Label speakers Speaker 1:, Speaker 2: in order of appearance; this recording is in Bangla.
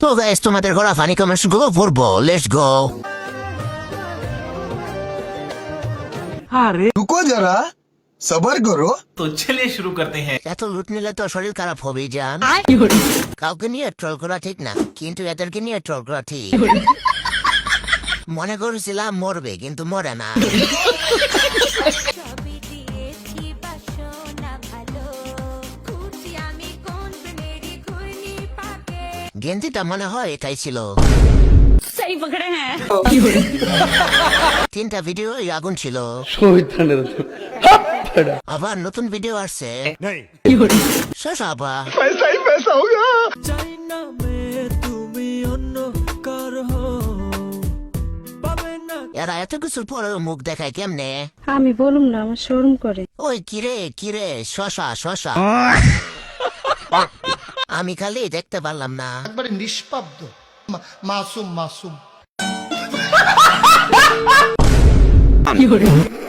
Speaker 1: তো গাইস তোমাদের করা ফানি কমেন্টস গুলো পড়বো, লেটস গো।
Speaker 2: रुको जरा सबर करो।
Speaker 3: तो चलिए शुरू करते हैं।
Speaker 1: এত লুট নিলে তো শরীর খারাপ হবেই জান। কাউকে নিয়ে ট্রল করা ঠিক না, কিন্তু এদেরকে নিয়ে ট্রল করা ঠিক। মনে করেছিলাম মরবে, কিন্তু মরে না।
Speaker 4: সবই দিয়েছি বাসনা ভালো, খুঁজি আমি কোন প্রেমেরই ঘূর্ণি পাকে।
Speaker 1: গেঞ্জিটা মনে হয় এটাই ছিল।
Speaker 4: সেই পকড়ে হ্যাঁ।
Speaker 1: 3টা ভিডিও আগুন ছিল। আবার নতুন ভিডিও আসছে। শেষ আবার
Speaker 2: पैसा ही पैसा होगा।
Speaker 1: এরা এত কিছুর পরে মুখ দেখায় কেমনে?
Speaker 5: আমি বলুম না, আমার শরম করে।
Speaker 1: ওই কিরে কিরে, শশা শশা। আমি খালি দেখতে পারলাম না।
Speaker 6: একবারে নিষ্পাব্দ মাসুম মাসুম।